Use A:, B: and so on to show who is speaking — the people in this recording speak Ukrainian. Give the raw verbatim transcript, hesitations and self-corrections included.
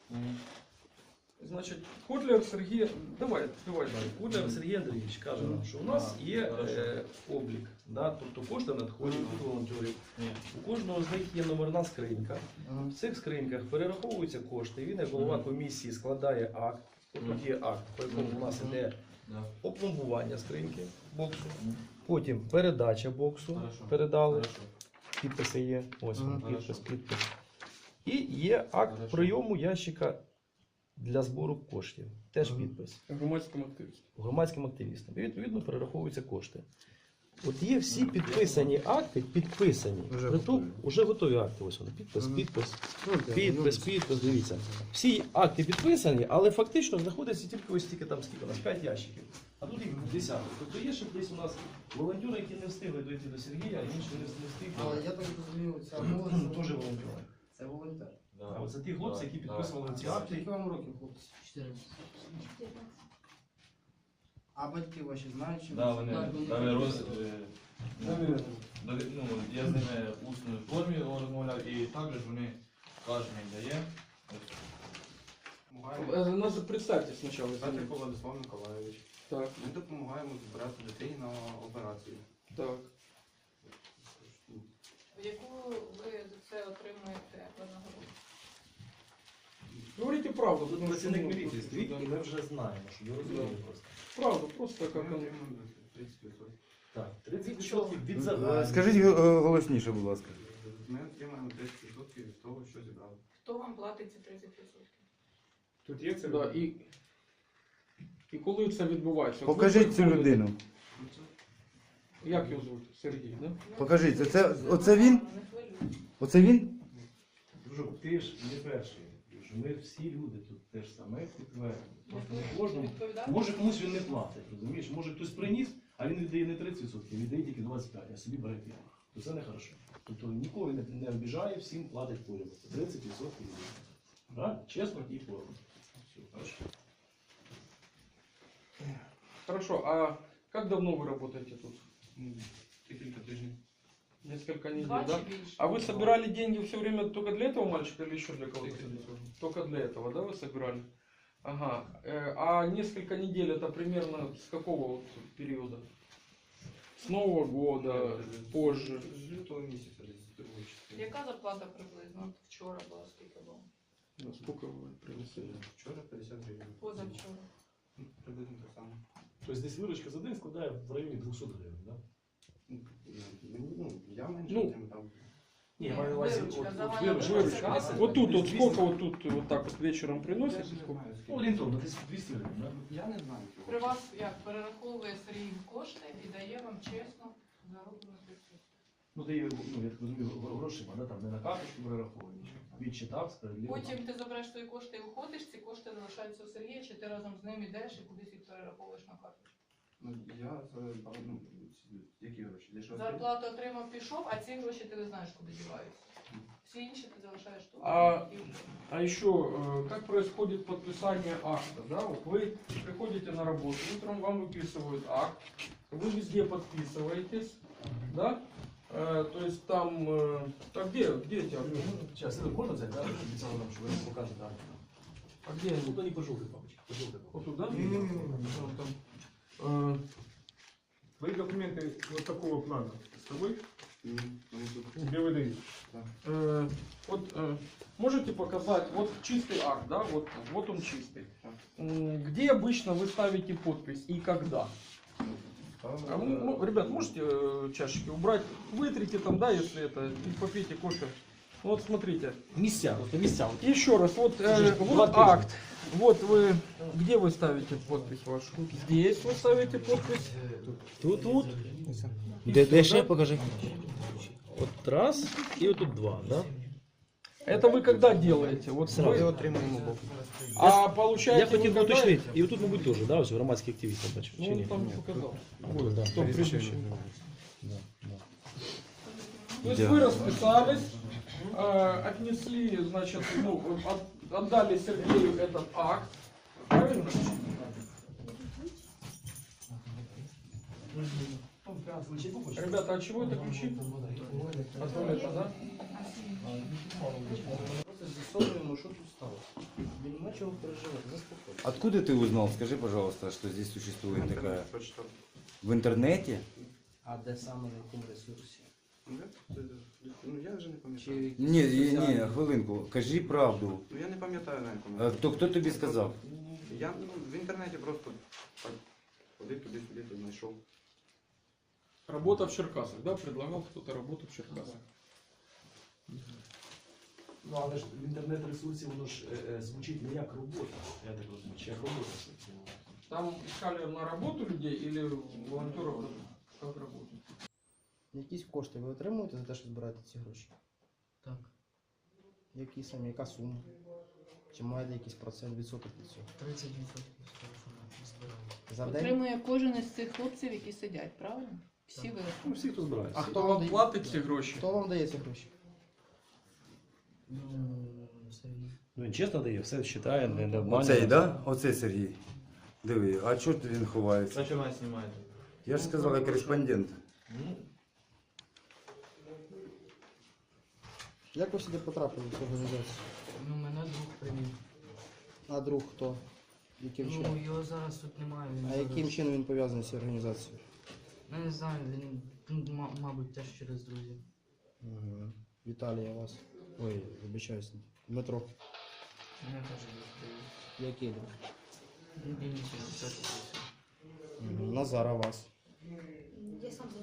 A: Значить, Котляр Сергій, давай, давай далі.
B: Котляр Сергій Андрійович каже нам, що у нас є е, облік, да? Тобто кошти надходять від волонтерів. У кожного з них є номерна скринька. В цих скриньках перераховуються кошти. Він, як голова комісії, складає акт. Тут є акт, по якому у нас йде опломбування скриньки боксу. Потім передача боксу. Передали. Підписи є. Ось він, підпис, підпис. І є акт прийому ящика для збору коштів. Теж підпис.
A: Громадським активістам.
B: Громадським активістам. І відповідно перераховуються кошти. От є всі підписані акти, підписані.
C: Вже
B: Притом,
C: готові.
B: уже готові акти. Ось вони. Підпис,
C: Мгм.
B: підпис,
C: Ну,
B: підпис, підпис. Дивіться. Всі акти підписані, але фактично знаходиться тільки ось тільки там скільки у нас п'ять ящиків. А тут їх десяток. Тобто є ще десь у нас волонтери, які не встигли дойти до Сергія, а інші не встигли.
D: Але я так розумію, ця молодь
B: Теж волонтери.
D: це волонтер.
B: А от це ті хлопці, які підписували ці акти.
D: Скільки вам років, хлопці? А батьки ваші знають, чим?
E: Да, вони
D: Так,
E: дали роз... е, ну, дали- ну, я з ними в усній формі розмовляв, і також вони кожен дає.
A: Е, Нас представте спочатку.
C: Петрик Владислав Миколайович.
A: Так,
C: Ми допомагаємо збирати дітей на операцію.
A: так.
F: Яку ви за це отримуєте винагороду?
A: Говорите правду.
B: Тут
A: потому
B: працівник
A: что, ну,
B: міліції стоїть,
A: да.
B: і ми вже знаємо, що ви розумієте просто.
A: Правду, просто
C: Ми
A: как он.
C: отримуємо тридцять відсотків.
B: Так, тридцять
F: Від чого?
B: відсотків від загального.
G: Скажіть е, голосніше, будь ласка.
C: Ми отримаємо тридцять відсотків від того, що зібрали.
F: Хто вам платить ці тридцять відсотків?
A: Тут є це? Да, і, і коли це відбувається? От ви
G: Покажіть цю
A: приходите-
G: людину.
C: Ну, це
A: Як його звуть? Сергій, да?
G: Покажіть, оце- оце він?
F: Не хвилюйтесь.
G: Оце він?
B: Дружок, ти ж не перший. Друже. Ми всі люди тут теж саме підтвердили. Просто не кожному.
F: Відповідати?
B: Може комусь він не платить, розумієш? Може хтось приніс, а він віддає не тридцять відсотків, віддає тільки двадцять п'ять відсотків, а собі бере п'ять. То це не хорошо. Тобто нікого не, не обіжає, всім платить поряд. тридцять відсотків віддає. Правильно? Чесно і поряд. Все, хорошо.
A: Хорошо, а как давно вы работаете тут?
C: ну, декілька тижнів.
A: Несколько недель,
F: Два
A: да?
F: чи більше?
A: А вы собирали деньги все время только для этого мальчика или еще для кого-то? Только для этого, да, вы собирали? Ага. Э, А несколько недель это примерно с какого вот периода? С Нового года, позже?
C: З лютого місяця, десь з другої частини.
F: Яка зарплата приблизно? От вчора була, скільки було?
A: Да, сколько вы принесли?
C: Вчора п'ятдесят гривень.
F: Позавчора.
C: Ну, приблизно так само.
B: Тобто десь виручка за день складає в районі двісті гривень, так?
C: Ну, ну, я менше
A: Ну,
C: тим там.
B: Ні, маю на увазі,
F: Виручка,
B: от- от
F: загальна
B: виручка.
F: виручка.
B: Каси,
A: Вот тут, вот
B: двісті.
A: сколько вот тут вот так вот вечером
C: Я
A: приносите?
C: ж не
A: Сколько?
C: знаю,
B: Ну,
C: скільки.
B: орієнтовно, десь двісті гривень, так?
C: Я не знаю. чого.
F: При вас як перераховує Сергій кошти і дає вам чесно зароблену працю.
B: Ну, ти, ну, я так розумію, грошима, да? Там не на карточку перераховуєш. Відчитав, справедливо.
F: Потім ти забереш свої кошти і уходиш, ці кошти залишаються у Сергія, чи ти разом з ним йдеш і кудись їх перераховуєш на карточку?
C: Ну, я за ну, ці- які гроші? Для чого?
F: Зарплату отримав, пішов, а ці гроші ти не знаєш, куди діваються. Всі інші ти залишаєш тут.
A: А-
F: І-
A: А еще, э, как происходит подписание акта? Да? Вот вы приходите на работу, утром вам выписывают акт, вы везде подписываетесь, да? Э, то есть там, э, а где, где эти акты?
B: Зараз, можна взяти, так? Обіцяли нам, що ви покажете, так?
A: А где они?
B: Ну, то не пожовтий, папочка, пожовтий.
A: Вот тут, да?
C: Не-не-не.
A: Там, там. Э,
H: Твои документы вот такого плана с тобой,
C: Ні, вони тут.
H: где выдают?
A: э, вот э, можете показать, вот чистый акт, да? Вот, вот он чистый. М, Где обычно вы ставите подпись и когда? А, м- м- ребят, можете э, чашечки убрать? Вытрите там, да, если это, и попейте кофе. Вот смотрите.
B: Місця, просто місця.
A: Еще раз, вот, э,
B: Слушай,
A: вот
B: два тысячи.
A: акт. Вот вы, где вы ставите подпись вашу? Здесь вы ставите подпись.
B: Тут, тут.
G: Де, де ще покажи?
B: От раз і отут два, да?
A: Это вы когда делаете? Вот
B: Сразу.
A: вы-
C: отримуємо бок.
A: А получаете
B: Я
A: вы
B: хотів би
A: когда-
B: уточнити, і отут, мабуть, теж, да, ось громадські активісти бачу,
A: Ну,
B: чи
A: он
B: ні?
A: там показал.
B: Вот, да.
A: Кто предыдущий.
B: Да, да.
A: То есть вы расписались, э, отнесли, значит, ну, от- отдали Сергею этот акт. Правильно? Ребята, а чего это ключи? От туалета, да?
D: Просто з'ясовуємо, що тут сталося. чого переживати, заспокойтесь.
G: Откуда ты узнал? Скажи, пожалуйста, что здесь существует такая... В интернете?
D: А де саме, на якому ресурсі?
C: Ну, я- Ну я вже не
D: Чи
C: пам'ятаю.
D: якісь
G: Ні, ні,
D: соціальні?
G: ні, хвилинку. Кажи правду.
C: Ну я не пам'ятаю на якому.
G: А Хто, хто тобі сказав?
C: Я ну, в інтернеті просто так ходив туди-сюди, то знайшов.
A: Работа в Черкасах, да? Предлагал кто-то работу в Черкасах.
B: Ну, але ж в інтернет-ресурсі воно ж е, е, звучить не як робота, я так розумію, чи як робота.
A: Там искали на работу людей или волонтеров как работу?
D: Якісь кошти ви отримуєте за те, що збираєте ці гроші?
I: Так,
D: Які самі, яка сума? Чи маєте якийсь процент відсоток від цього?
I: тридцять відсотків з того, що ми збираємо.
D: За день?
F: Отримує кожен із цих хлопців, які сидять, правильно? Всі ви.
B: Ну, всі, хто збирається.
D: А
A: Хто
D: хто вам
A: вам
D: дає?
A: платить ці гроші?
D: Хто вам дає ці гроші?
I: Ну, Сергій.
B: Ну, він чесно дає, все вважає, не, не обманює.
G: Оцей, да? Оцей Сергій. Диви, а чого він ховається?
E: Зачем нас знімаєте?
G: Я ж сказав, я кореспондент.
E: Ну,
D: Як ви сюди потрапили в цю організацію?
I: Ну, мене друг привів.
D: А друг хто? Яким
I: Ну,
D: чином?
I: його зараз тут немає. Він
D: А
I: зараз-
D: яким чином він пов'язаний з цією організацією?
I: Ну, не знаю, він, ну, ма- мабуть, теж через друзів.
D: Угу. Віталій, а вас. Ой, вибачаюсь. Дмитро.
I: Мене теж друг привів.
D: Який друг?
I: Ну, Денис, він теж працює.
D: Угу. Назар, а вас.
J: Я сам